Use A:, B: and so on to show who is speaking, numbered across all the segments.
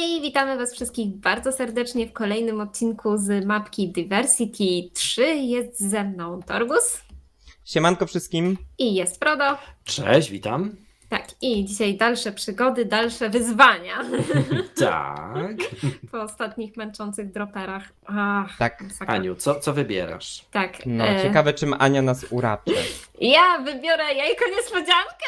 A: Hej, witamy Was wszystkich bardzo serdecznie w kolejnym odcinku z mapki Diversity 3. Jest ze mną Torgus
B: Siemanko wszystkim.
A: i jest Frodo.
C: Cześć, witam.
A: Tak, i dzisiaj dalsze przygody, dalsze wyzwania
C: Tak.
A: po ostatnich męczących droperach. Ach,
B: Tak,
A: masakra.
C: Aniu, co wybierasz?
A: Tak,
B: no ciekawe czym Ania nas uraczy.
A: ja wybiorę jajko niespodziankę.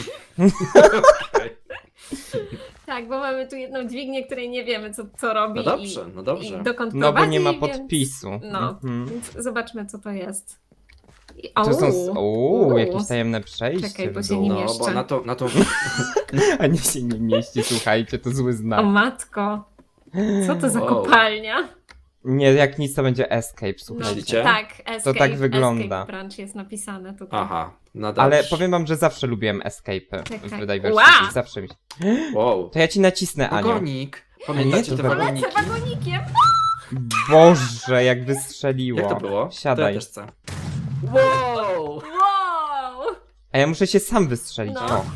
A: Tak, bo mamy tu jedną dźwignię, której nie wiemy co robi
C: No dobrze, no
A: i
C: dobrze.
A: dokąd
B: No bo
A: prowadzi,
B: nie ma
A: więc-
B: podpisu.
A: No,
B: Mhm.
A: więc zobaczmy co to jest.
B: Tu są
A: Uuu.
B: jakieś tajemne przejście.
A: Czekaj, bo
B: w
A: się
B: dół.
A: nie
C: No,
A: mieszczę.
C: bo na to
B: Ania się nie mieści, słuchajcie, to zły
A: O
B: znak.
A: matko, co to za
C: Wow.
A: kopalnia?
B: Nie, jak nic to będzie escape, słuchajcie.
C: Myślicie?
A: Tak, escape,
B: tak wygląda.
A: Escape branch jest napisane tutaj.
C: Aha, no dobrze.
B: Ale powiem wam, że zawsze lubiłem escape'y
A: Czekaj.
B: w Diversity.
A: Ła!
B: Zawsze mi się...
C: Wow.
B: To ja ci nacisnę, Aniu.
C: Wagonik.
B: Nie,
C: Pamiętacie
B: to
C: te
B: wagonik.
C: wagoniki?
A: Lecę wagonikiem!
B: Boże, jak wystrzeliło.
C: Jak to było?
B: Siadaj.
C: To ja też chcę. Wow!
A: Wow!
B: A ja muszę się sam wystrzelić.
A: No.
B: O,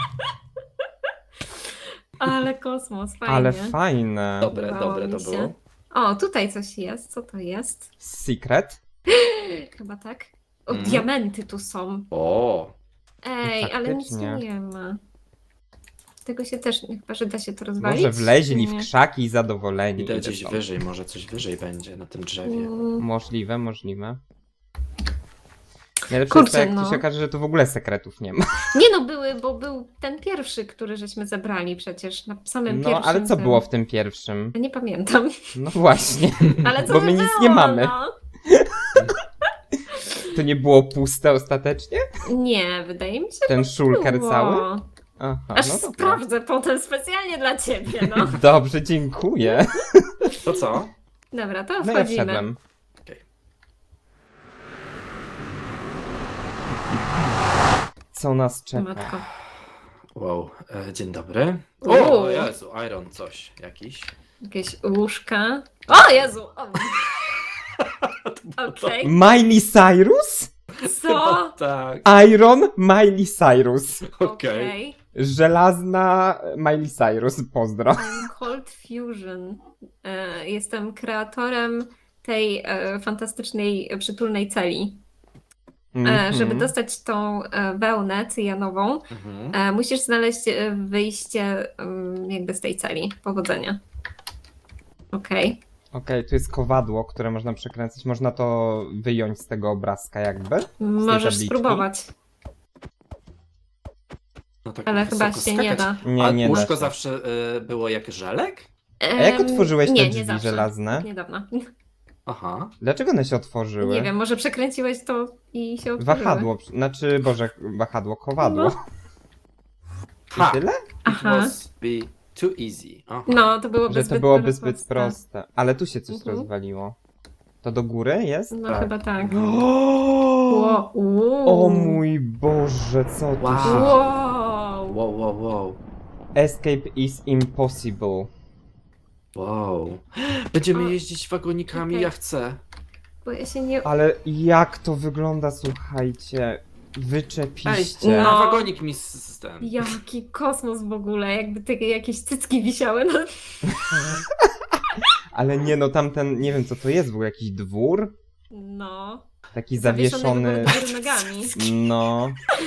A: Ale kosmos, fajnie.
B: ale fajne.
C: Dobre
A: Podobało
C: to
A: mi się.
C: było.
A: O, tutaj coś jest, co to jest?
B: Secret?
A: Chyba tak. O,
C: Mhm.
A: diamenty tu są.
C: O,
A: Ej, ale nic tu
B: Faktycznie.
A: nie ma. Tego się też, chyba że da się to rozwalić?
B: Może wleźli w
A: Nie.
B: krzaki i zadowoleni.
C: idę
B: Idę
C: gdzieś
B: stąd.
C: wyżej, może coś wyżej będzie na tym drzewie.
B: Możliwe, możliwe. Najlepsze
A: Kurczę,
B: jest to, jak
A: no.
B: to się okaże, że tu w ogóle sekretów nie ma.
A: Nie no, były, bo był ten pierwszy, który żeśmy zebrali przecież, na samym
B: No,
A: pierwszym.
B: ale co
A: tym.
B: było w tym pierwszym?
A: Ja nie pamiętam.
B: No właśnie,
A: Ale co
B: bo
A: by
B: my nic
A: było,
B: nie mamy.
A: No?
B: To nie było puste ostatecznie?
A: Nie, wydaje mi się,
B: Ten
A: że
B: szulker
A: było.
B: cały? Aha,
A: Aż
B: no dobra.
A: sprawdzę potem specjalnie dla ciebie, no.
B: Dobrze, dziękuję.
C: To co?
A: Dobra, to
B: No ja
A: wchodzimy.
B: wszedłem.
C: Okej.
B: Co nas czeka?
A: Matko.
C: Wow, dzień dobry.
A: Uuu.
C: O, Jezu, Iron coś jakiś.
A: Jakieś łóżka. O Jezu! O. Okej.
B: Miley Cyrus?
A: Co?
C: Tak,
B: Iron Miley Cyrus.
C: okej.
B: Żelazna Miley Cyrus, pozdro.
A: I'm Cold Fusion. Jestem kreatorem tej fantastycznej, przytulnej celi.
B: Mhm.
A: Żeby dostać tą wełnę cyjanową,
C: Mhm.
A: musisz znaleźć wyjście jakby z tej celi. Powodzenia. Okej.
B: Okej, tu jest kowadło, które można przekręcać. Można to wyjąć z tego obrazka jakby.
A: Możesz
B: tabliczki?
A: spróbować,
C: No tak
A: ale chyba
C: wysoko
A: się nie
C: skakać.
A: da.
B: Nie,
C: A
B: nie da
C: łóżko
B: się.
C: zawsze było jak żelek?
B: A jak otworzyłeś
A: nie,
B: te
A: nie
B: drzwi
A: zawsze.
B: żelazne?
A: Niedawno.
C: Aha.
B: Dlaczego one się otworzyły?
A: Nie wiem, może przekręciłeś to i się otworzyły.
B: Wahadło, znaczy, Boże, wahadło, kowadło.
A: No.
B: I
C: Ha!
B: tyle?
C: It
A: Aha.
C: must be too easy. Aha.
A: No, to byłoby
B: Że
A: zbyt
B: to byłoby
A: proste.
B: zbyt proste. Ale tu się coś
A: Mhm.
B: rozwaliło. To do góry jest?
A: No
C: Tak.
A: chyba tak.
B: O,
A: Wow.
B: o mój Boże, co tu
C: Wow.
B: się...
A: Wow.
C: Wow, wow, wow.
B: Escape is impossible.
C: Wow. Będziemy
A: O,
C: jeździć wagonikami,
A: okej.
C: ja chcę.
A: Bo ja się nie...
B: Ale jak to wygląda, słuchajcie.
C: Ej,
B: Wyczepiście.
A: No.
C: wagonik mi z ten.
A: Jaki kosmos w ogóle, jakby takie jakieś cycki wisiały na...
B: Ale nie no, tamten, nie wiem co to jest, był jakiś dwór?
A: No.
B: Taki
A: Zawieszony
B: zawieszony...
A: do góry nogami.
B: No.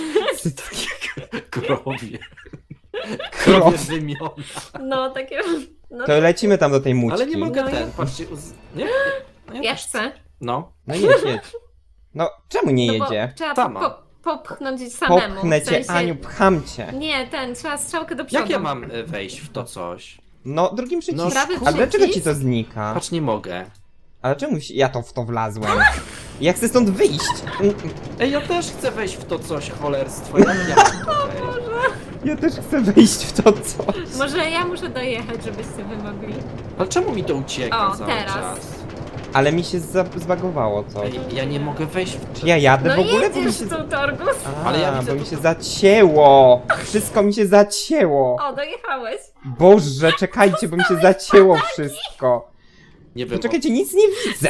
C: Krowie.
B: Krowie.
C: Krowie wymiona.
A: No, takie... No,
B: To lecimy tam do tej mućki.
C: Ale nie mogę
A: No i-
C: ten, patrzcie. Nie? No
A: ja
C: też
A: chcę.
C: No.
B: No jedź, jedź. No, czemu nie
A: No bo
B: jedzie?
A: trzeba
C: Sama.
A: popchnąć samemu.
B: Popchnę
A: w
B: cię,
A: sensie...
B: Aniu, pcham cię.
A: Nie, trzeba strzałkę do przodu.
C: Jak ja mam wejść w to coś?
B: No, drugim przyciskiem.
A: Prawy
B: A dlaczego ci
A: przycisk?
B: to znika?
C: Patrz, nie mogę.
B: Ale czemu ja to w to wlazłem? Ja chcę stąd wyjść.
C: Ej, ja też chcę wejść w to coś, cholerstwo. Jak ja mam to wejść?
B: Ja też chcę wyjść w to coś.
A: Może ja muszę dojechać, żebyście wy mogli.
C: Ale czemu mi to ucieka
A: O,
C: cały
A: teraz.
C: czas?
B: Ale mi się zbagowało coś.
C: Ej, ja nie mogę wejść w...
B: Czy ja jadę
A: No
B: w ogóle? Bo mi
A: jedziesz
B: się...
A: tu, Torgus.
C: Ale ja widzę
B: bo mi
C: to-
B: się zacięło. Wszystko mi się zacięło.
A: O, dojechałeś.
B: Boże, czekajcie, bo mi się zacięło wszystko.
C: Nie wiem.
B: Poczekajcie, nic nie widzę.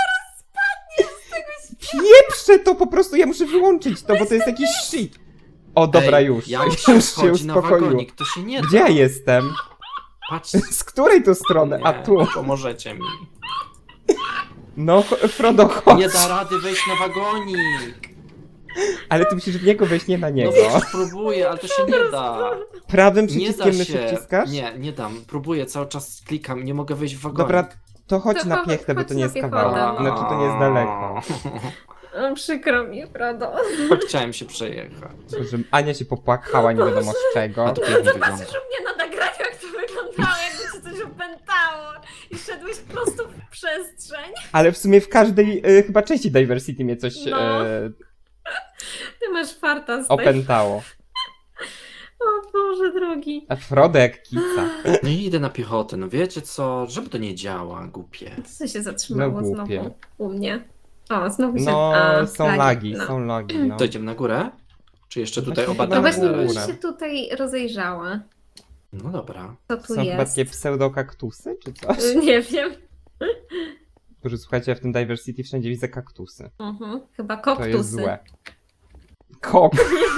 B: Pieprzę to po prostu, ja muszę wyłączyć to, bo to jest jakiś shit. O, dobra,
C: Ej,
B: już.
C: Jak
B: Już
C: się
B: się
C: wchodzi na
B: uspokoiło.
C: wagonik, to się nie da.
B: Gdzie ja jestem?
C: Patrz.
B: Z której tu strony? A
C: Nie,
B: tu.
C: Pomożecie mi.
B: No, Frodo, chodź.
C: Nie da rady wejść na wagonik.
B: Ale ty musisz w niego wejść, nie na
C: No
B: niego.
C: przecież próbuję, ale to się nie da.
B: Prawym
C: Nie da
B: przyciskiem myszy
C: się.
B: wciskasz?
C: Nie dam. Próbuję, cały czas klikam, nie mogę wejść w wagonik.
B: Dobra, to chodź
A: To
B: na
A: chodź
B: piechtę, bo
A: na
B: to nie jest
A: piechotę,
B: kawałek.
A: no.
B: Znaczy, to nie jest daleko.
A: O, przykro mi, Frodo.
C: Chciałem się przejechać.
B: Że Ania się popłakała, nie wiadomo z czego.
C: A to pięknie wygląda.
A: Patrzysz u mnie na nagraniu, jak to wyglądało, jakby ci coś opętało. I szedłeś prosto w przestrzeń.
B: Ale w sumie w każdej chyba części Diversity mnie coś
A: No. Ty masz farta z tej...
B: opętało.
A: O Boże drogi.
B: A Frodo jak kica.
C: No i idę na piechotę, no wiecie co? Żeby to nie działa, głupie.
A: Co się zatrzymało
B: No głupie.
A: znowu u mnie? O, znowu się...
B: No,
A: A,
B: są lagi,
A: no.
B: są lagi, no.
C: To idziemy na górę? Czy jeszcze tutaj
B: Właśnie
A: No
C: obadamy
A: właśnie
B: na
A: bym
B: górę.
A: się tutaj rozejrzała.
C: No dobra.
A: Co tu
B: Są chyba
A: jest?
B: takie pseudokaktusy, czy coś?
A: Nie wiem.
B: Boże, słuchajcie, ja w tym Diversity wszędzie widzę kaktusy.
A: Chyba
B: To
A: koktusy.
B: jest złe. Kok.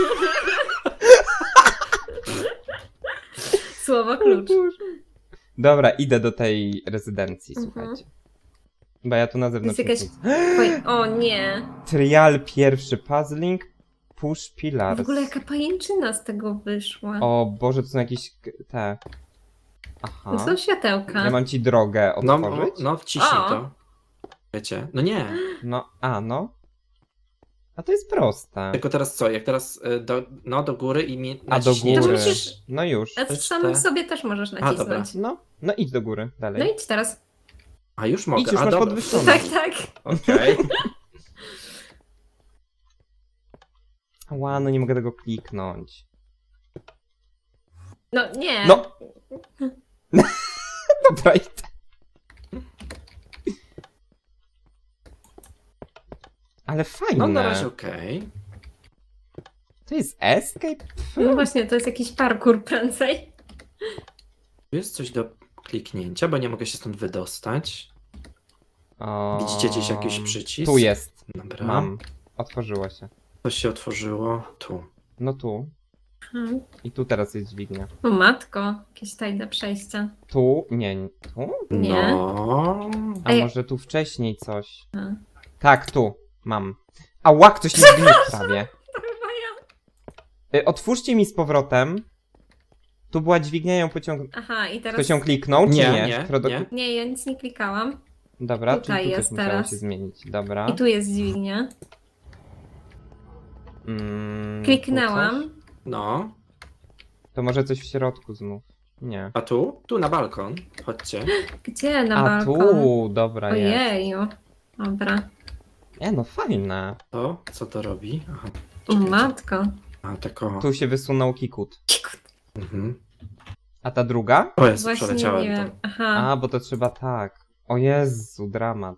A: Słowo klucz.
B: Dobra, idę do tej rezydencji,
A: Mhm.
B: słuchajcie. Bo ja tu na zewnątrz
A: Jest jakaś-
B: nic.
A: O nie.
B: Trial pierwszy, puzzling, push pillars.
A: W ogóle jaka pajęczyna z tego wyszła.
B: O Boże, to są jakieś te... Aha.
A: To są światełka.
B: Ja mam ci drogę
C: No,
B: otworzyć?
C: no wciśnij
A: O.
C: to. Wiecie? No nie.
B: No, no. A to jest proste.
C: Tylko teraz co? Jak teraz do góry i mi
B: A do
C: naciśniecie-
B: góry.
A: To musisz-
B: No już.
A: A
C: Też
A: sam
C: te-
A: sobie też możesz
C: dobra.
A: nacisnąć.
B: No idź do góry, dalej.
A: No idź teraz.
C: A już mogę.
B: Idź, już
C: A
B: masz
C: dobra.
B: podwyższone.
A: Tak, tak.
C: Okej.
B: Ła, no nie mogę tego kliknąć.
A: No nie.
B: No! Dobra, idę. Ale fajne.
C: No na razie okej.
B: To jest escape?
A: No właśnie, to jest jakiś parkour prędzej.
C: Tu jest coś do kliknięcia, bo nie mogę się stąd wydostać. Widzicie gdzieś jakiś przycisk?
B: Tu jest.
C: Dobra.
B: Mam. Otworzyło się.
C: Coś się otworzyło. Tu.
B: No tu. I tu teraz jest dźwignia.
A: O matko, jakieś tajne przejścia.
B: Tu? Nie. Tu?
A: Nie.
C: No.
B: A
A: Ej.
B: może tu wcześniej coś?
A: A.
B: Tak, tu. Mam. A łak, ktoś nie zgniótł prawie.
A: To chyba ja.
B: Otwórzcie mi z powrotem. Tu była dźwignia, ją pociągnął.
A: Aha, i teraz...
B: Ktoś ją kliknął, czy
C: Nie,
B: nie?
C: nie,
B: Frodo...
C: nie.
A: Nie, ja nic nie klikałam.
B: Dobra,
A: Tutaj
B: czyli tu
A: jest
B: coś musiało
A: teraz.
B: się zmienić. Dobra.
A: I tu jest dźwignia.
B: Tu
A: Kliknęłam.
B: coś?
C: No.
B: To może coś w środku znów. Nie.
C: A tu? Tu na balkon. Chodźcie.
A: Gdzie na
B: A
A: balkon?
B: tu, dobra jest.
A: Ojeju. Dobra.
B: No fajne.
C: To? Co to robi? Aha.
A: O
C: czekajcie.
A: matko.
C: A tak o.
B: Tu się wysunął kikut.
C: Mhm.
B: A ta druga?
C: O Jezu,
A: Właśnie
C: przeleciałem
A: nie
C: to.
A: wiem. Aha.
B: A, bo to trzeba tak. O Jezu, dramat.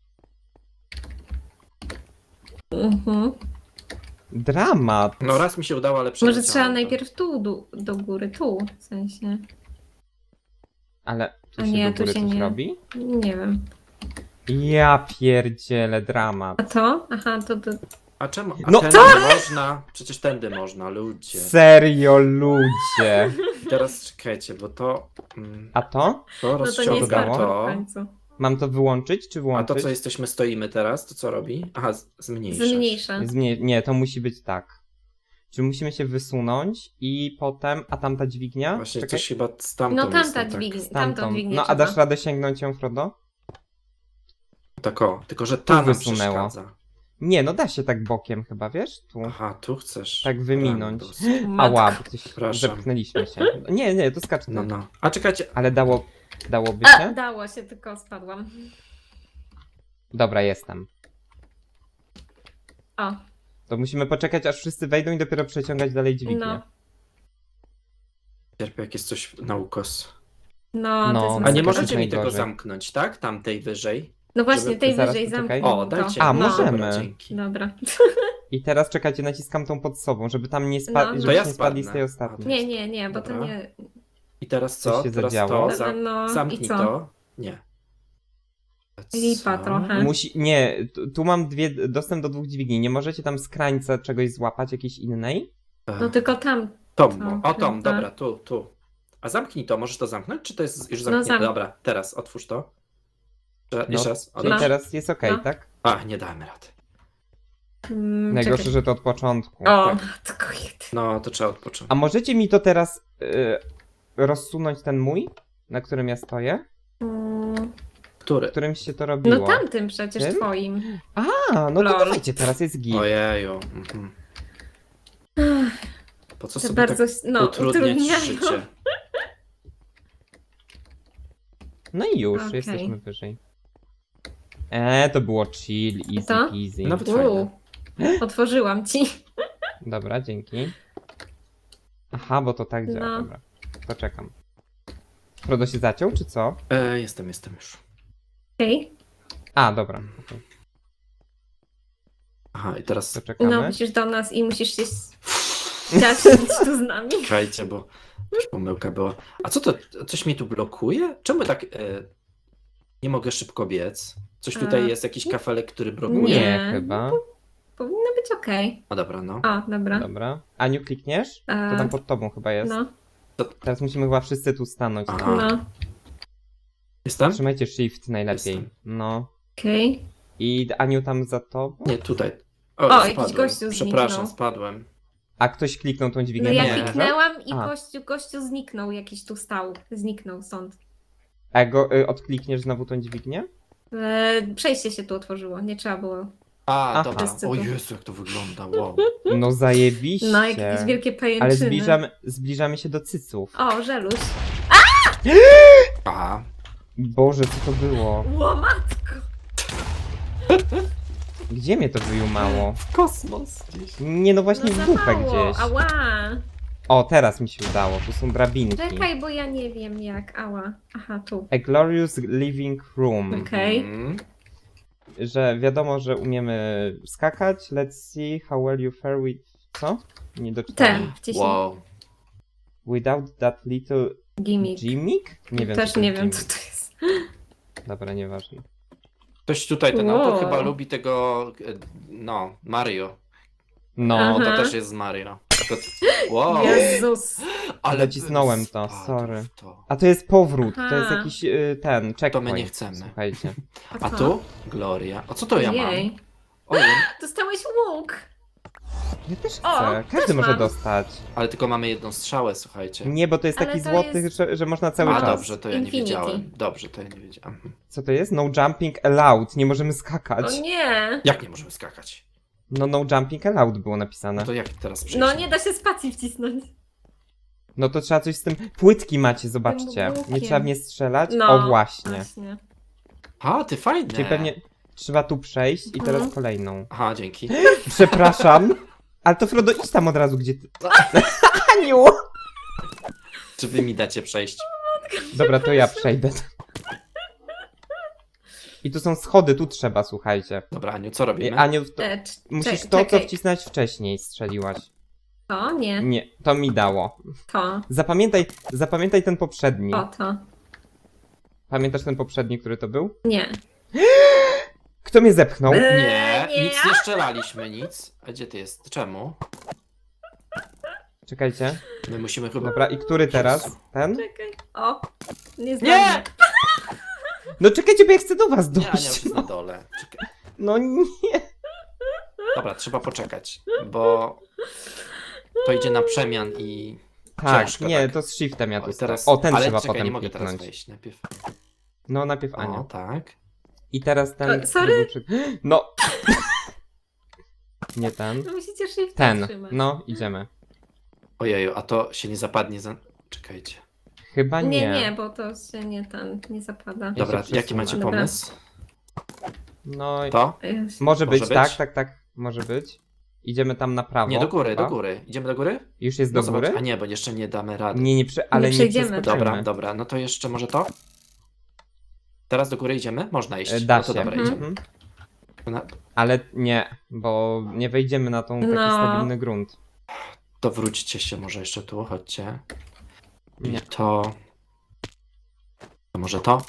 A: Mhm.
B: Dramat!
C: No raz mi się udało, ale
A: Może
C: przeleciałem
A: trzeba
C: to.
A: najpierw tu do góry, tu w sensie.
B: Ale tu
A: A
B: się
A: nie,
B: do
A: tu
B: góry
A: się
B: coś
A: nie.
B: robi?
A: Nie wiem.
B: Ja pierdzielę, dramat.
A: A to? Aha, to.
C: A czemu? A
B: No
C: tędy można? Przecież tędy można, ludzie.
B: Serio, ludzie.
C: I teraz czekajcie, bo to...
B: A to?
C: To
A: No to nie
C: rozciąga
A: jest
B: Ściągało?
A: parkour w
C: to.
A: końcu.
B: Mam to wyłączyć, czy
C: A
B: włączyć?
C: to, co stoimy teraz, to co robi? Aha, zmniejsza.
A: Zmniejsza.
B: Nie, to musi być tak. Czyli musimy się wysunąć i potem... A tamta dźwignia?
C: Właśnie
B: Czekaj.
C: coś chyba stamtąd
A: No
C: jest,
A: tamta
C: tak.
A: dźwignia.
B: Tamtą.
A: Tamtą dźwignię
B: No, a
A: trzeba.
B: dasz radę sięgnąć ją, Frodo?
C: Tak o, tylko że ta nam
B: wysunęło.
C: przeszkadza.
B: Nie, no da się tak bokiem chyba, wiesz? Tu.
C: Aha, tu chcesz.
B: Tak wyminąć.
C: Rambus.
A: Matko.
B: Ała, bo coś
C: Przepraszam.
B: zepchnęliśmy się. Nie, to skacz
C: No,
B: tak.
C: no. A czekajcie,
B: Ale dałoby
A: A,
B: się?
A: dało się, tylko spadłam.
B: Dobra, jestem.
A: O,
B: To musimy poczekać, aż wszyscy wejdą i dopiero przeciągać dalej dźwignię.
A: no.
C: cierpię, jak jest coś na ukos.
A: No,
B: No,
A: to jest
C: A
B: Masakra.
C: nie
A: masakra.
C: możecie mi tego
B: najgorzej.
C: zamknać, tak? Tamtej wyżej.
A: No właśnie,
C: żeby-
A: tej
B: zaraz
A: wyżej
B: poczekaj.
A: zamknij.
C: O, dajcie.
B: A,
A: no.
B: możemy.
C: Dobra, dzięki.
A: Dobra.
B: I teraz czekajcie, naciskam tą pod sobą, żeby tam nie spadli,
A: No.
B: żeby
C: To ja
B: nie spadli z
C: spadnę.
B: tej ostatniej.
A: Nie, bo to
C: Dobra.
A: nie...
C: I teraz
B: Coś
C: co?
B: się
C: Teraz
B: zadziało.
C: to?
A: No,
C: Zamknij
A: i co?
C: to. Nie.
A: Lipa
C: Co?
A: trochę.
B: Nie, tu mam dostęp do 2 dźwigni. Nie możecie tam z krańca czegoś złapać, jakiejś innej?
A: No tylko tam.
C: Tom, o Tom,
A: chyba.
C: dobra, tu. A zamknij to, możesz to zamknąć? Czy to jest już
A: No,
C: zamknięte? Dobra, teraz otwórz to. Jeszcze raz.
B: Czyli
A: No.
B: teraz jest okej,
A: No.
B: tak?
C: A, nie damy rady.
B: Najgorsze,
A: Czekaj.
B: że to od początku.
A: O,
C: tak.
A: tylko jeden.
C: No, to trzeba odpocząć.
B: A możecie mi to teraz rozsunąć ten mój, na którym ja stoję?
C: Który?
B: Którym się to robiło?
A: No tamtym przecież
B: Tym?
A: twoim.
B: A, no to
A: Lol.
B: dawajcie, teraz jest git.
C: Ojeju. Mhm. Po co
A: To
C: sobie
A: bardzo
C: tak utrudniać
A: utrudniają.
C: życie?
B: No i już,
A: Okej.
B: jesteśmy wyżej. To było chill, easy
A: To?
B: peasy.
C: Nawet fajne.
A: Otworzyłam ci.
B: Dobra, dzięki. Aha, bo to tak działa,
A: No.
B: dobra. To czekam. Frodo się zaciął, czy co?
C: Jestem już.
A: Okej.
B: A, dobra. okej.
C: Aha, i teraz
B: To czekamy.
A: No, musisz do nas i musisz się ciaszyć tu z nami.
C: czekajcie, bo też pomyłka była. A co to? Coś mnie tu blokuje? Czemu tak nie mogę szybko biec? Coś tutaj
A: A.
C: jest, jakiś kafelek, który blokuje?
B: Nie,
A: Nie.
B: chyba.
A: Powinno być okej.
C: O dobra, no.
A: O, dobra.
B: Dobra. Aniu, klikniesz? To tam pod tobą chyba jest.
A: No,
B: Teraz musimy chyba wszyscy tu stanąć.
C: Aha.
A: no.
C: Jestem?
B: Trzymajcie shift najlepiej.
C: Jestem.
B: No.
A: Okej.
B: I Aniu tam za tobą?
C: Nie, tutaj.
A: O, jakiś
C: spadłem.
A: gościu
C: Przepraszam,
A: zniknął.
C: spadłem.
B: A ktoś kliknął tą
A: No
B: dźwignię?
A: ja
C: Nie.
A: kliknęłam i
B: A.
A: gościu zniknął, jakiś tu stał. Zniknął stąd.
B: A go odklikniesz znowu tą dźwignię?
A: Przejście się tu otworzyło, nie trzeba było.
C: A,
B: Aha.
C: dobra.
A: Wszyscy
C: O
A: tu.
C: Jezu, jak to wygląda, wow.
B: No zajebiście.
A: No, jakieś wielkie pajęczyny.
B: Ale zbliżamy się do cyców.
A: O, żeluś.
C: Aha.
B: Boże, co to było?
A: Łomatko!
B: Gdzie mnie to wyjumało?
C: W kosmos gdzieś.
B: Nie, no właśnie
A: No
B: w
A: za
B: dupę
A: mało.
B: gdzieś.
A: Ała!
B: O, teraz mi się udało. Tu są drabinki.
A: Czekaj, bo ja nie wiem jak. Ała. Aha, tu.
B: A glorious living room.
A: Okej.
C: Mhm.
B: Że wiadomo, że umiemy skakać. Let's see how well you fare with... Co? Nie doczytałem.
A: Ten, wciśnij.
C: Wow.
B: Without that little
A: Gimmick.
B: gimmick? Nie wiem.
A: Też
B: co to
A: nie
B: jest
A: wiem, co
B: gimmick.
A: to jest.
B: Dobra, nieważne.
C: Ktoś tutaj, ten
A: Wow.
C: autor chyba lubi tego, no, Mario.
B: No,
A: Aha.
C: To też jest z Mario. To... Wow.
A: Jezus.
C: Ale
B: Nacisnąłem
C: bym
B: to,
C: spadł
B: sorry.
C: w to.
B: A to jest powrót. To
A: Aha.
B: jest jakiś ten checkpoint.
C: To my nie chcemy.
B: Słuchajcie.
C: A tu? Gloria. A co to ja mam?
A: Jej.
C: Ojej.
A: Dostałeś łuk.
B: Ja też chcę.
A: O,
B: Każdy
A: też
B: może
A: mam.
B: dostać.
C: Ale tylko mamy jedną strzałę, słuchajcie.
B: Nie, bo to jest
A: Ale
B: taki
A: to
B: złoty,
A: jest-
B: że można cały
C: A
B: czas.
C: dobrze, to ja nie
A: Infinity.
C: wiedziałem. Dobrze, to ja nie wiedziałem.
B: Co to jest? No jumping allowed. Nie możemy skakać.
A: O nie.
C: Jak nie możemy skakać?
B: No jumping allowed było napisane.
C: No to jak teraz przejść?
A: No nie da się spacji wcisnąć.
B: No to trzeba coś z tym... Płytki macie, zobaczcie.
A: łukiem.
B: Nie trzeba w nie strzelać?
A: No.
B: O, właśnie.
A: Właśnie.
C: A, ty fajne.
B: Czyli pewnie trzeba tu przejść i teraz
A: Mhm.
B: kolejną.
C: Aha, dzięki.
B: Przepraszam. Ale to Frodo, idź tam od razu, gdzie ty... Aniu!
C: Czy wy mi dacie przejść?
B: Dobra, to ja przejdę. I tu są schody, tu trzeba, słuchajcie.
C: Dobra, Aniu, co robimy?
B: Aniu, to, musisz to, co
A: czekaj.
B: wcisnąć wcześniej, strzeliłaś.
A: To nie.
B: Nie, to mi dało.
A: To.
B: Zapamiętaj ten poprzedni.
A: O, to.
B: Pamiętasz ten poprzedni, który to był?
A: Nie.
B: Kto mnie zepchnął?
C: Nie,
A: nie
C: nic
A: ja.
C: nie strzelaliśmy, nic. A gdzie ty jest? Czemu?
B: Czekajcie.
C: My musimy chyba...
B: Dobra, i który teraz? Ten?
A: Czekaj. O. Nie
C: Nie!
A: zdążę.
B: No czekajcie, bo ja chcę do was
C: Nie, Ania już
B: dojść.
C: jest na dole. Czekaj.
B: No nie.
C: Dobra, trzeba poczekać, bo to idzie na przemian i
B: Tak,
C: ciężko,
B: nie,
C: tak.
B: to z shiftem ja tu
C: Oj, teraz...
B: O, ten
C: Ale
B: trzeba
C: czekaj,
B: potem
C: nie mogę teraz
B: kliknąć.
C: wejść najpierw.
B: No, najpierw Ania.
C: O, tak.
B: I teraz ten...
A: O, sorry.
B: który był No. Nie ten.
A: No musicie shift
B: Ten.
A: trzymać.
B: No, idziemy.
C: Ojeju, a to się nie zapadnie za... Czekajcie.
B: Chyba nie.
A: Nie, bo to się nie zapada.
C: Dobra,
B: się
C: jaki macie
A: Dobra.
C: pomysł?
B: No,
C: To?
B: może być,
C: Może być?
B: tak, może być. Idziemy tam na prawo.
C: Nie, do góry,
B: chyba.
C: do góry. Idziemy do góry?
B: Już jest
C: No
B: do
C: zobacz,
B: góry?
C: a nie, bo jeszcze nie damy rady.
B: Nie, ale nie
A: przejdziemy.
B: przeskoczymy.
C: Dobra, dobra, no to jeszcze może to? Teraz do góry idziemy? Można iść.
B: Da
C: no to
B: się.
C: dobra, idziemy.
B: Mhm.
C: Na-
B: Ale nie, bo nie wejdziemy na tą taki
A: No.
B: stabilny grunt.
C: To wróćcie się może jeszcze tu, chodźcie. I
B: Nie.
C: to może to?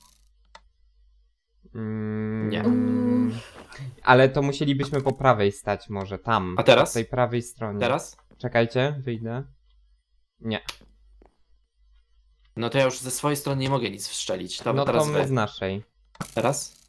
C: Nie.
B: Ale to musielibyśmy po prawej stać może, tam.
C: A teraz?
B: Po tej prawej stronie.
C: Teraz?
B: Czekajcie, wyjdę. Nie.
C: No to ja już ze swojej strony nie mogę nic wszczelić. Dobra,
B: No to
C: teraz
B: my
C: wy.
B: z naszej.
C: Teraz?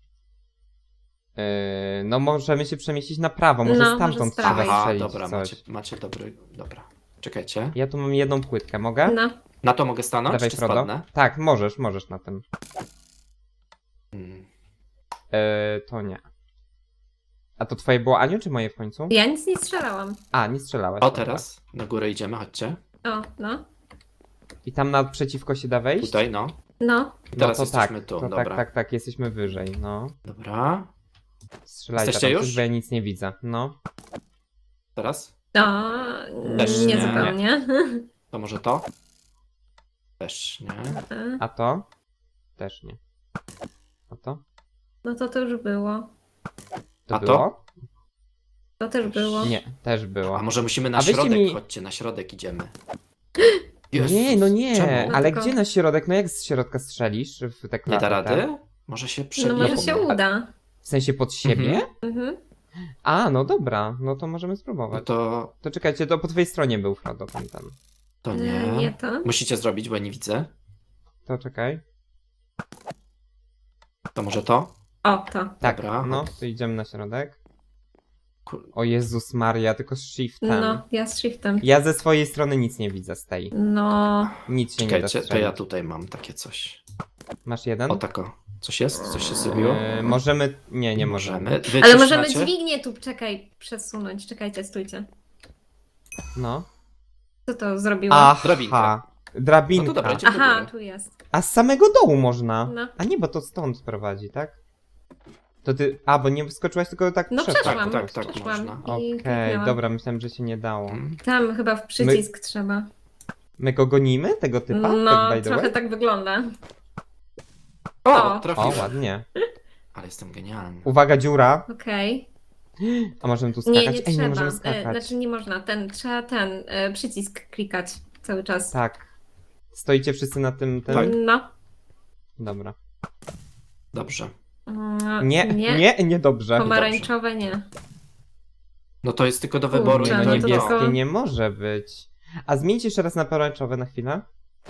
B: No możemy się przemieścić na prawo, może
A: No,
B: stamtąd
A: może z
B: trzeba
A: prawej.
C: Aha,
B: strzelić
C: dobra,
B: coś.
C: macie dobry... Dobra. Czekajcie.
B: Ja tu mam jedną płytkę, mogę?
A: No.
C: Na to mogę stanąć,
B: Dawaj,
C: czy
B: Frodo.
C: spadnę?
B: Tak, możesz na tym.
C: Hmm.
B: To nie. A to twoje było, Aniu, czy moje w końcu?
A: Ja nic nie strzelałam.
B: A, nie strzelałaś.
C: O,
B: dobra.
C: teraz na górę idziemy, chodźcie.
A: O, no.
B: I tam naprzeciwko się da wejść?
C: Tutaj, no.
A: No.
C: I teraz
B: to
C: jesteśmy
B: tak,
C: tu,
B: to
C: dobra.
B: tak, jesteśmy wyżej, no.
C: Dobra.
B: Strzelajcie
C: Jesteście
B: tam
C: już?
B: coś, bo ja nic nie widzę, no.
C: Teraz?
A: O,
C: Też
A: nie
C: nie.
A: zupełnie.
C: To może to? Też nie.
B: A to? Też nie. A to?
A: No to już było.
B: To
C: A to?
B: było?
A: To też było.
B: Nie, też było.
C: A może musimy na
B: A weźcie
C: środek?
B: mi-
C: Chodźcie, na środek idziemy.
B: Nie, no nie,
C: Czemu?
B: ale
A: tylko-
B: gdzie na środek? No jak z środka strzelisz w te
C: Nie
B: klapy?
C: da rady? Może się
A: No
C: przebije.
A: może się
B: pomogę.
A: uda.
B: W sensie pod siebie?
A: Mhm.
B: A, no dobra, no to możemy
C: No
B: spróbować.
C: to...
B: To czekajcie, to po twojej stronie był Frodo ten.
C: To nie.
A: Nie to.
C: Musicie zrobić, bo ja nie widzę.
B: To czekaj.
C: To może to?
A: O, to.
B: Tak,
C: Dobra.
B: no, to idziemy na środek.
C: Kur...
B: O Jezus Maria, tylko z shiftem.
A: No, ja z shiftem.
B: Ja ze swojej strony nic nie widzę z tej.
A: No.
B: Nic się nie da
C: Czekajcie, to
B: strzelić.
C: ja tutaj mam takie coś.
B: Masz jeden?
C: O tako. Coś jest? Coś się zrobiło?
B: Możemy... Nie możemy.
C: Wy
A: Ale
C: coś
A: możemy
C: macie?
A: dźwignię tu, czekaj, przesunąć. Czekajcie, stójcie.
B: No.
A: Co to zrobiło?
C: Drabinka.
B: Drabinka.
C: No to dobra, idziemy do
A: Aha,
C: góry.
A: tu jest.
B: A z samego dołu można.
A: No.
B: A nie, bo to stąd prowadzi, tak? To ty... A, bo nie wyskoczyłaś, tylko tak
A: No
B: przeszłaś.
A: przeszłam,
C: tak,
A: przeszłam
C: można.
A: i
B: Okej,
A: kliknęłam.
B: dobra, myślałem, że się nie dało.
C: Mm.
A: Tam chyba w przycisk trzeba.
B: My go gonimy, tego typa?
A: No,
B: tak by the
A: trochę
B: way?
A: tak wygląda.
C: O,
A: O.
B: O,
C: trafiłem.
B: ładnie.
C: Ale jestem genialny.
B: Uwaga, dziura.
A: Okej.
B: A możemy tu skakać?
A: Nie, nie
B: Ej,
A: trzeba.
B: nie możemy skakać.
A: Znaczy nie można. Trzeba ten przycisk klikać cały czas.
B: Tak. Stoicie wszyscy na tym...
C: Tak.
A: No.
B: Dobra.
C: Dobrze.
B: Nie, dobrze.
A: Pomarańczowe nie.
C: No to jest tylko do
A: Kurczę,
C: wyboru. i
A: no
C: to
A: to
C: nie
B: Niebieskie
A: tylko-
B: nie może być. A zmieńcie jeszcze raz na pomarańczowe na chwilę.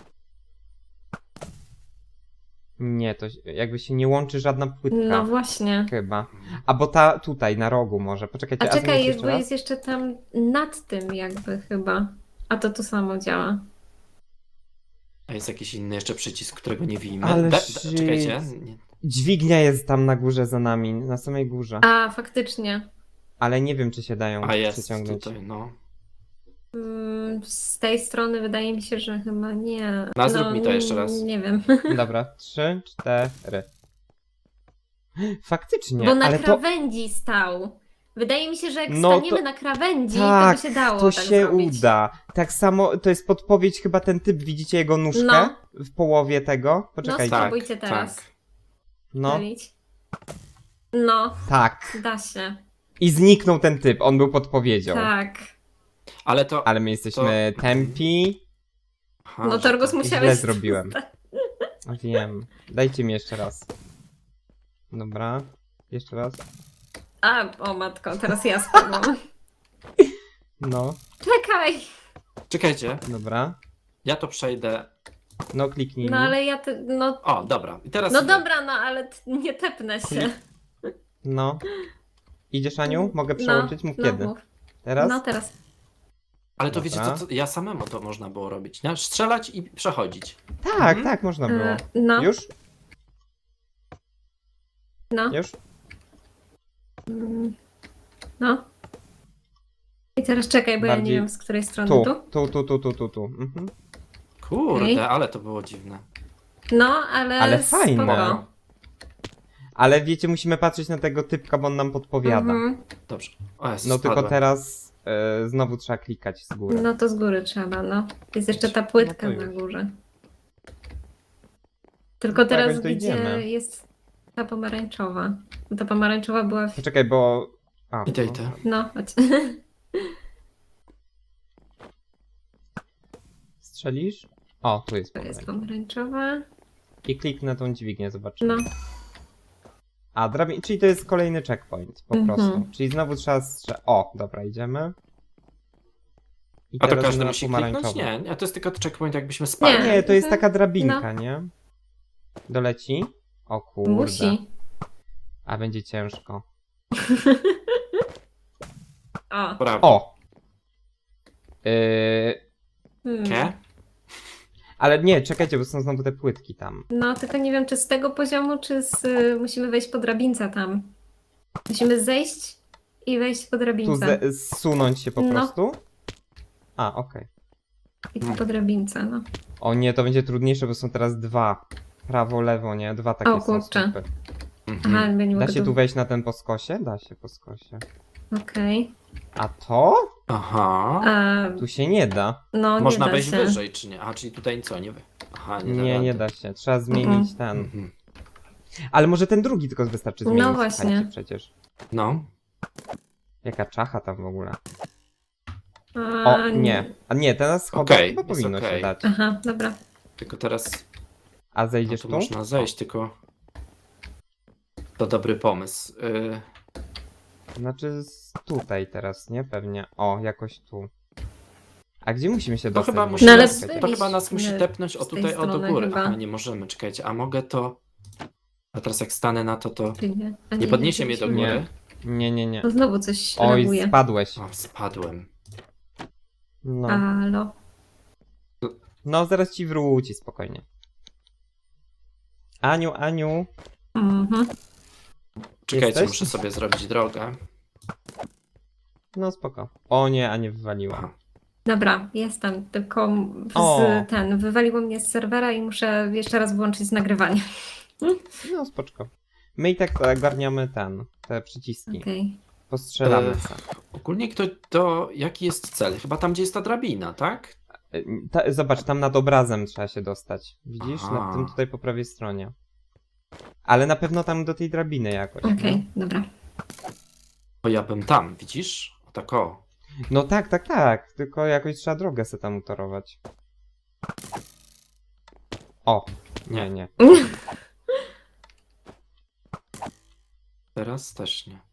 B: Nie, to jakby się nie łączy żadna płytka.
A: No właśnie.
B: Chyba. A bo ta tutaj, na rogu może. Poczekajcie,
A: A czekaj,
B: zmieńcie
A: jest,
B: jeszcze
A: bo
B: raz.
A: jest jeszcze tam nad tym jakby chyba. A to samo działa.
C: A jest jakiś inny jeszcze przycisk, którego nie widzimy.
B: Ale
C: Czekajcie.
B: shit.
C: Nie.
B: Dźwignia jest tam na górze za nami, na samej górze.
A: A, faktycznie.
B: Ale nie wiem, czy się dają
C: A jest
B: przeciągnąć.
C: tutaj, no.
A: Z tej strony wydaje mi się, że chyba nie.
C: No, zrób mi to jeszcze raz.
A: Nie wiem.
B: Dobra, 3, 4. Faktycznie,
A: Bo na
B: ale to...
A: krawędzi stał. Wydaje mi się, że jak
B: No to-
A: staniemy na krawędzi,
B: Tak,
A: to by się dało
B: to
A: tak
B: się
A: zrobić.
B: uda. Tak samo, to jest podpowiedź, chyba ten typ, widzicie jego nóżkę
A: No.
B: w połowie tego? Poczekajcie.
A: No, spróbujcie teraz.
C: Tak.
B: No,
A: Zrobić. No,
B: tak.
A: da się.
B: I zniknął ten typ, on był podpowiedzią.
A: Tak.
C: Ale to...
B: Ale my jesteśmy
C: To-
B: tempi.
C: Aha,
A: No
C: że
A: Torgus
C: to-
A: musiałeś...
B: Źle zrobiłem. Wiem. Dajcie mi jeszcze raz. Dobra. Jeszcze raz.
A: A, o matko, teraz ja spadłam.
B: No,
A: Czekaj!
C: Czekajcie,
B: dobra.
C: ja to przejdę...
B: No, kliknij.
A: No ale ja... No,
C: O, dobra. I teraz...
A: no dobra, no ale nie tepnę się.
B: No. Idziesz, Aniu? Mogę przełączyć? Mów kiedy.
A: Mów.
B: Teraz?
A: No teraz.
C: Ale to
B: Dobra.
C: wiecie co, ja samemu to można było robić, nie? Strzelać i przechodzić.
B: Tak, tak, można było.
A: No,
B: Już?
A: no.
B: Już?
A: No. I teraz czekaj, bo ja
B: Bardziej
A: nie wiem z której strony
B: Tu,
A: tu.
B: tu. Mhm.
C: Kurde,
A: Okej.
C: ale to było dziwne.
A: No, ale,
B: Ale fajne.
A: spoko.
B: Ale wiecie, musimy patrzeć na tego typka, bo on nam podpowiada.
A: Mhm.
C: Dobrze. O, Jezus,
B: No tylko
C: spadłem.
B: teraz znowu trzeba klikać z góry.
A: No to z góry trzeba, no. Jest jeszcze ta płytka
B: No to
A: na
B: już.
A: górze. Tylko
B: No to
A: teraz
B: jakoś
A: gdzie
B: dojdziemy.
A: jest ta pomarańczowa. Bo ta pomarańczowa była w...
B: Poczekaj, bo... A,
C: Idę.
A: No, chodź.
B: Strzelisz? O, tu jest
A: To jest
B: pomarańcz.
A: pomarańczowa.
B: I kliknę tą dźwignię, zobaczymy.
A: No.
B: A, czyli to jest kolejny checkpoint, po
A: Mhm.
B: prostu. Czyli znowu trzeba O, dobra, idziemy. I
C: A to
B: teraz
C: każdy
B: na
C: musi kliknąć?
B: pomarańczowy.
C: Nie, to jest tylko checkpoint, jakbyśmy spali.
B: Nie, to jest
A: No.
B: taka drabinka, nie? Doleci? O kurde.
A: Musi.
B: A będzie ciężko.
A: O.
C: Brawo.
B: O!
C: Nie?
B: Ale nie, czekajcie, bo są znowu te płytki tam.
A: No, tylko nie wiem, czy z tego poziomu, czy musimy wejść po drabince tam. Musimy zejść i wejść po
B: Tu
A: drabince.
B: zsunąć się po
A: No.
B: prostu? A, okej.
A: I po drabince, no.
B: O nie, to będzie trudniejsze, bo są teraz dwa. Prawo, lewo, nie? Dwa takie
A: O,
B: są
A: kurczę.
B: słupy.
C: Mhm.
A: Aha, ja nie
B: Da
A: mogę
B: się tu wejść na ten po skosie? Da się po skosie.
A: Okej.
B: A to?
C: Aha.
B: Tu się nie da.
A: No,
C: Można
A: nie da
C: wejść
A: się.
C: wyżej, czy nie? A, czyli tutaj co, nie wy? Aha,
B: Nie
C: da
B: da się. Trzeba zmienić ten.
C: Mhm.
B: Ale może ten drugi tylko wystarczy
A: No
B: zmienić.
A: właśnie.
B: Słuchajcie, przecież.
C: No.
B: Jaka czacha tam w ogóle.
A: A,
B: O, nie. A nie, teraz schodach
C: Okej,
B: chyba
C: jest
B: powinno
C: okej.
B: się dać.
A: Aha, dobra.
C: Tylko teraz
B: A
C: no
B: zejdziesz
C: tu
B: tu?
C: można zejść, tylko to dobry pomysł.
B: Znaczy tutaj teraz, nie? Pewnie. O, jakoś tu. A gdzie musimy się
C: To
B: dostać?
C: chyba,
B: w
C: musi
B: ogóle?
A: No ale
C: nas,
B: Czekajcie.
C: to chyba nas musi
A: wyjść
C: tepnąć o
A: z tej
C: tutaj, o do
A: strony
C: góry.
A: chyba.
C: Aha, nie możemy, czekajcie. A mogę to... A teraz jak stanę na to...
A: Czy nie? A
C: Nie podniesie mnie do
A: musimy.
C: góry?
B: Nie.
A: No znowu coś
B: Oj,
A: reaguje.
B: spadłeś.
C: O, spadłem.
B: No.
A: Halo.
B: No, zaraz ci wróci, spokojnie. Aniu.
A: Mhm.
C: Czekajcie,
B: Jesteś?
C: muszę sobie zrobić drogę.
B: No, spoko. O nie, Anię wywaliła.
C: Aha.
A: Dobra, jestem, tylko
B: O.
A: wywaliło mnie z serwera i muszę jeszcze raz włączyć nagrywanie.
B: No, spoczko. My i tak ogarniamy te przyciski.
A: Okej.
B: Postrzelamy
C: E,
B: se.
C: Ogólnie jaki jest cel? Chyba tam, gdzie jest ta drabina, tak?
B: Zobacz, tam nad obrazem trzeba się dostać. Widzisz?
C: Aha.
B: Nad tym tutaj po prawej stronie. Ale na pewno tam do tej drabiny jakoś.
A: Okej, dobra.
C: Bo ja bym tam, widzisz? O tak o.
B: No tak. Tylko jakoś trzeba drogę se tam utorować. O! Nie.
C: Teraz też nie.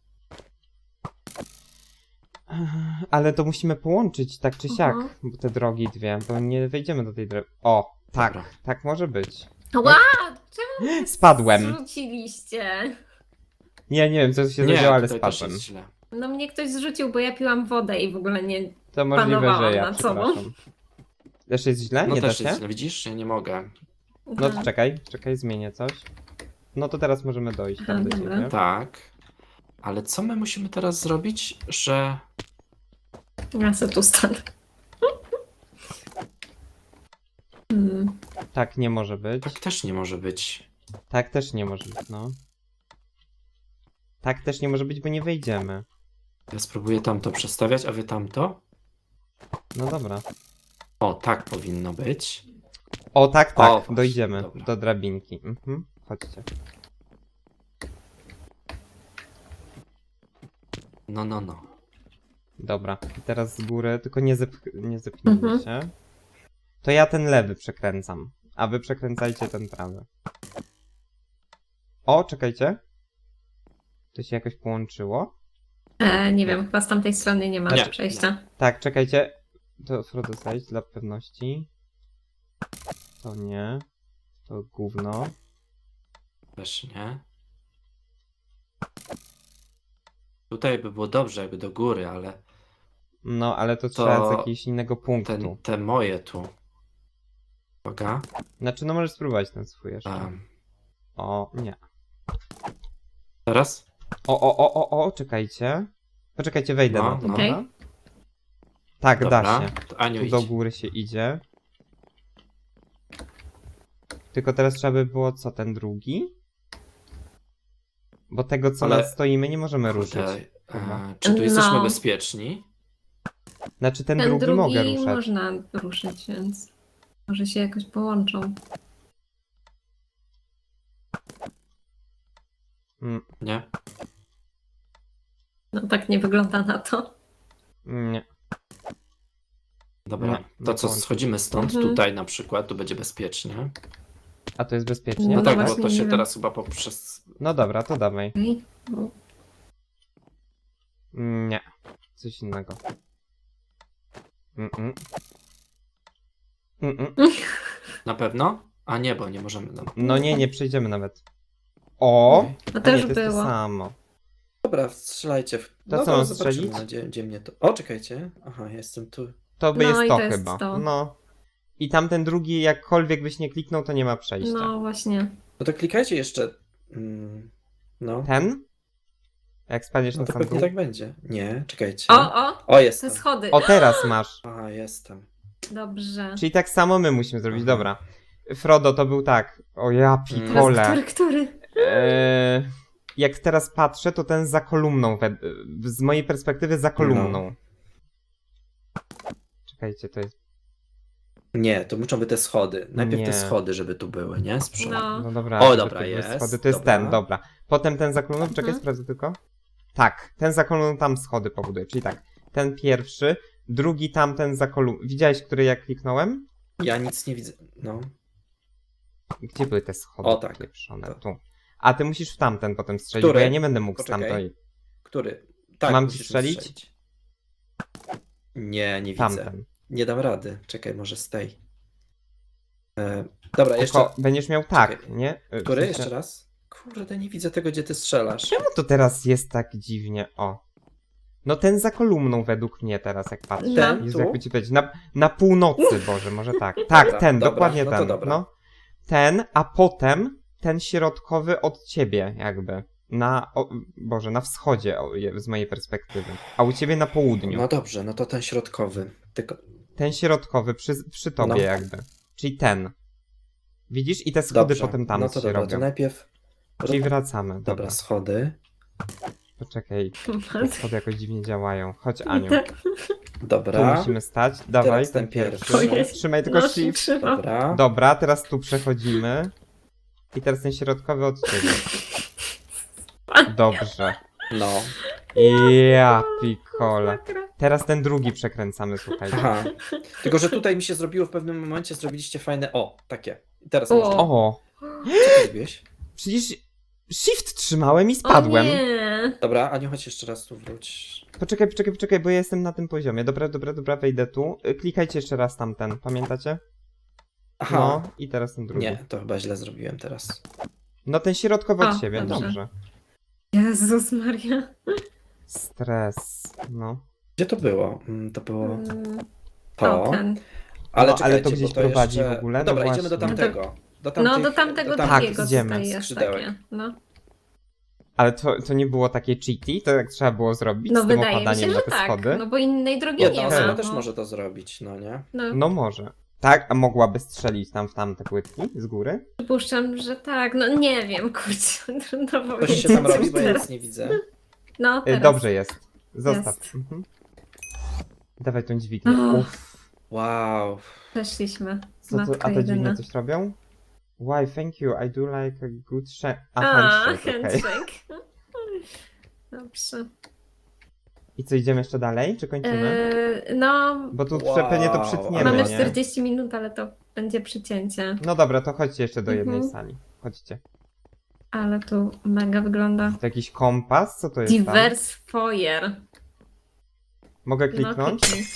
B: Ale to musimy połączyć tak czy siak,
A: Aha.
B: bo te drogi dwie, bo nie wejdziemy do tej drogi. O! Tak,
C: Dobra.
B: tak może być.
A: Ła! Czemu mnie
B: Spadłem.
A: zrzuciliście?
B: Nie wiem, co się
C: Nie,
B: zadziało, ale
C: tutaj też
B: spadłem.
C: jest źle.
A: No mnie ktoś zrzucił, bo ja piłam wodę i w ogóle nie...
B: To możliwe,
A: Panowałam
B: że ja,
A: nad sobą.
B: przepraszam. Też jest źle?
C: No
B: Nie da
C: też
B: się?
C: jest źle, widzisz? Ja nie mogę.
B: No to czekaj, zmienię coś. No to teraz możemy dojść tam
A: Aha,
B: do
A: dobra.
B: ciebie.
C: Tak. Ale co my musimy teraz zrobić, że...
A: Ja sobie tu stanę.
B: Tak nie może być.
C: Tak też nie może być.
B: Tak też nie może być, no. Tak też nie może być, bo nie wejdziemy.
C: Ja spróbuję tamto przestawiać, a wy tamto?
B: No dobra.
C: O, tak powinno być.
B: O, tak,
C: O, właśnie,
B: dojdziemy
C: dobra.
B: do drabinki. Chodźcie.
C: No.
B: Dobra, i teraz z góry, tylko nie zepnijmy
A: Mhm.
B: się. To ja ten lewy przekręcam, a wy przekręcajcie ten prawy. O, czekajcie. To się jakoś połączyło?
A: Nie wiem, chyba z tamtej strony nie ma
C: Nie,
A: przejścia.
B: Tak, czekajcie. To Frodo zajdź dla pewności. To nie. To gówno.
C: Też nie. Tutaj by było dobrze, jakby do góry, ale
B: No, ale to trzeba z jakiegoś innego punktu.
C: te moje tu. Uwaga.
B: Znaczy, no możesz spróbować ten swój jeszcze.
C: Um,
B: O, nie.
C: teraz?
B: O, czekajcie. Poczekajcie, wejdę
C: No,
B: na to,
C: no.
A: Okej.
B: dobra? Tak,
C: Dobra.
B: da się.
C: To Aniu
B: Tu
C: idź.
B: do góry się idzie. Tylko teraz trzeba by było co, ten drugi? Bo tego, co
C: Ale-
B: nad stoimy, nie możemy ruszyć.
C: Kurde,
B: chyba.
C: czy tu jesteśmy
A: No.
C: bezpieczni?
B: Znaczy, ten
A: Ten
B: drugi mogę ruszać.
A: można ruszyć, więc może się jakoś połączą.
C: Nie?
A: No tak nie wygląda na to.
B: Nie.
C: Dobra.
B: Nie,
C: To
B: nie
C: co,
B: połączy.
C: schodzimy stąd,
A: Mhm.
C: tutaj na przykład, tu będzie bezpiecznie.
B: A to jest bezpiecznie?
A: No
C: No tak,
A: właśnie,
C: bo to
A: nie
C: się
A: wiem.
C: teraz chyba poprzez...
B: No dobra, to dawaj.
A: Okej. No.
B: Nie. Coś innego. Mm-mm. Mm-mm.
C: Na pewno? A nie, bo nie możemy. No.
B: No nie przejdziemy nawet. O!
C: Okej.
A: No
B: A
A: też
B: nie, to jest to
A: było.
B: samo.
C: Dobra, strzelajcie.
B: To co,
C: to
B: mam
C: zobaczymy,
B: strzelić?
C: no, gdzie mnie to... O, czekajcie. Aha, jestem tu.
B: To by
A: No
B: jest
A: i
B: to
A: to jest
B: chyba.
A: to.
B: No. I tamten drugi, jakkolwiek byś nie kliknął, to nie ma przejścia.
A: No właśnie.
C: No to klikajcie jeszcze. No.
B: Ten? Jak spadniesz
C: No
B: na
C: to
B: sam
C: pewnie
B: dół?
C: tak będzie. Nie, czekajcie.
A: O,
C: O,
A: te
C: jestem.
A: schody.
B: O, teraz masz.
C: Aha, jestem.
A: Dobrze.
B: Czyli tak samo my musimy zrobić,
C: Aha.
B: dobra. Frodo to był tak. O ja
A: Teraz
B: pikole.
A: który?
B: Jak teraz patrzę, to ten za kolumną. Z mojej perspektywy za kolumną. Czekajcie, to jest.
C: Nie, to muszą być te schody. Najpierw
B: Nie.
C: te schody, żeby tu były, nie? Z przodu.
A: No.
B: No dobra.
C: O,
B: żeby
C: dobra,
B: to były
C: jest,
B: Schody. To jest
C: dobra.
B: ten, dobra. Potem ten za kolumną. Czekaj,
A: Mhm.
B: sprawdzę tylko. Tak, ten za kolumną tam schody powoduje. Czyli tak, ten pierwszy, drugi tamten za kolumną. Widziałeś, który ja kliknąłem?
C: Ja nic nie widzę. No.
B: Gdzie były te schody?
C: O, tak.
B: Pieprzone?
C: To.
B: Tu. A ty musisz w tamten potem strzelić,
C: Który?
B: bo ja nie będę mógł
C: Poczekaj.
B: stamtąd.
C: Który? Tak,
B: Mam ci
C: musisz
B: strzelić?
C: Nie, nie widzę.
B: Tamten.
C: Nie dam rady. Czekaj, może z tej. Dobra, jeszcze.
B: Tylko będziesz miał tak,
C: Czekaj.
B: nie? W
C: Który?
B: sensie-
C: Jeszcze raz? Kurde, nie widzę tego, gdzie ty strzelasz.
B: Czemu to teraz jest tak dziwnie? O. No ten za kolumną według mnie teraz, jak patrzę.
C: Ten?
B: Jezu,
C: Tu?
B: jakby ci powiedzieć. Na północy, Boże, może tak. Tak,
C: Dobra,
B: ten,
C: dobra,
B: dokładnie
C: no to
B: ten.
C: dobra.
B: No. Ten, a potem ten środkowy od ciebie, jakby. Boże, na wschodzie z mojej perspektywy. A u ciebie na południu.
C: No dobrze, no to ten środkowy. Tylko.
B: Ten środkowy przy tobie,
C: No.
B: jakby. Czyli ten. Widzisz? I te schody
C: Dobrze.
B: potem tam
C: No to
B: się
C: dobra,
B: robią.
C: to najpierw.
B: Czyli wracamy.
C: Dobra,
B: Dobra.
C: schody.
B: Poczekaj. Te schody jakoś dziwnie działają. Chodź, Aniu. Tu
C: Dobra.
B: musimy stać. Dawaj,
C: Teraz
B: ten
C: ten
B: pierwszy.
C: pierwszy.
A: Ojej.
B: Trzymaj tylko
A: No,
B: shift.
A: trzymam.
C: Dobra.
B: Dobra, teraz tu przechodzimy. I teraz ten środkowy od ciebie. Dobrze.
C: No.
B: Ja pikole. Teraz ten drugi przekręcamy, słuchajcie.
C: Aha. Tylko, że tutaj mi się zrobiło w pewnym momencie, zrobiliście fajne. O, takie. I teraz
A: O.
C: można.
B: O,
C: Co ty zrobiłeś?
B: przecież shift trzymałem i
A: O
B: spadłem.
A: nie.
C: Dobra, Aniu, chodź jeszcze raz tu wróć.
B: Poczekaj, bo ja jestem na tym poziomie. Dobra, wejdę tu. Klikajcie jeszcze raz tamten, pamiętacie?
C: Aha.
B: No, i teraz ten drugi.
C: Nie, to chyba źle zrobiłem teraz.
B: No ten środkowy od
A: O,
B: siebie,
A: dobrze.
B: dobrze.
A: Jezus Maria.
B: Stres, no.
C: Gdzie to było? To było
A: To
C: to.
A: ten.
C: Ale,
B: No, ale to
C: czekajcie,
B: gdzieś
C: bo to
B: prowadzi
C: jeszcze...
B: w ogóle?
C: No dobra,
B: No
C: idziemy do
B: właśnie.
C: tamtego. Do
A: No do tamtego
B: Tak,
A: drugiego
B: idziemy.
A: tutaj jest
C: Skrzydełek.
A: takie. No,
B: Ale to nie było takie cheaty? To jak trzeba było zrobić
A: no
B: z tym
A: wydaje mi
B: opadaniem
A: się,
B: na
A: że
B: te
A: tak.
B: schody?
A: No bo innej drogi
C: Jedna
A: nie
C: osoba
A: ma.
C: też
A: no.
C: może to zrobić, no nie?
B: No może. Tak, a mogłaby strzelić tam w tamte płytki z góry?
A: Przypuszczam, że tak. No nie wiem, kurczę. Trudno
C: Coś
A: powiedzieć.
C: się tam robi,
A: coś
C: bo ja
A: teraz.
C: nic nie widzę.
A: No, teraz.
B: Dobrze jest. Zostaw.
A: Jest.
B: Mhm. Dawaj tą dźwignię.
A: O.
B: Uff.
C: Wow.
A: Przeszliśmy.
B: Co to,
A: Matka
B: a te dźwignie
A: jedyna.
B: coś robią? Why, thank you, I do like a good shake. A,
A: A,
B: handshake, okej.
A: handshake. Dobrze.
B: I co, idziemy jeszcze dalej, czy kończymy?
A: No,
B: Bo tu
C: Wow,
B: pewnie to przytniemy,
A: mamy
B: nie?
A: 40 minut, ale to będzie przycięcie.
B: No dobra, to chodźcie jeszcze do jednej
A: Mhm.
B: sali. Chodźcie.
A: Ale tu mega wygląda.
B: To jakiś kompas? Co to jest tam?
A: Diverse foyer.
B: Mogę
A: No,
B: kliknąć?
A: kliknij.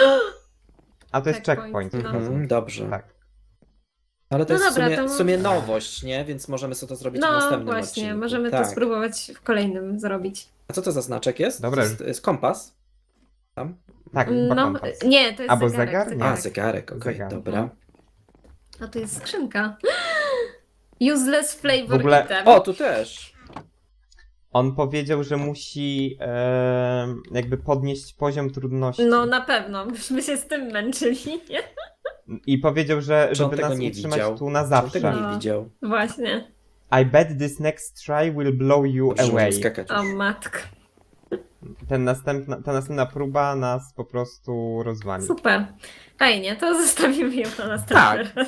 B: A to jest
A: checkpoint,
B: checkpoint.
A: no.
C: Mhm, dobrze.
B: Tak.
C: Ale to
A: No
C: jest
A: dobra,
C: w, sumie,
A: to-
C: w sumie nowość, nie? Więc możemy sobie to zrobić w
A: No
C: następnym
A: właśnie,
C: odcinku.
A: możemy
C: tak.
A: to spróbować w kolejnym zrobić.
C: A co to za znaczek jest?
B: Dobra.
C: To jest kompas? Tam?
B: Tak, chyba
A: No,
B: kompas.
A: nie, to jest
B: Albo
A: zegarek.
B: zegar?
C: A, zegarek, okej,
B: Zegarek.
C: dobra.
A: A tu jest skrzynka. Useless flavor
B: W ogóle-
A: item.
C: O, tu też!
B: On powiedział, że musi jakby podnieść poziom trudności.
A: No na pewno, byśmy się z tym męczyli, nie?
B: I powiedział, że
C: Czy on
B: żeby
C: tego
B: nas
C: nie
B: utrzymać
C: widział?
B: tu na
C: Czy on
B: zawsze.
C: tego
A: No.
C: nie widział.
A: Właśnie.
B: I bet this next try will blow you
C: Dobrze,
B: away.
C: możemy skakać
A: O
C: już.
A: matka.
B: Ta następna próba nas po prostu rozwali.
A: Super. Fajnie, to zostawimy ją na następny raz.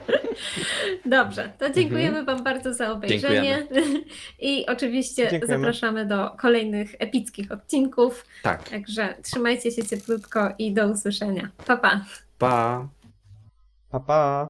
A: Dobrze, to dziękujemy Wam bardzo za obejrzenie. I oczywiście
B: Dziękujemy.
A: zapraszamy do kolejnych epickich odcinków.
C: Tak.
A: Także trzymajcie się cieplutko i do usłyszenia. Pa, pa.
C: Pa!
B: Pa, pa.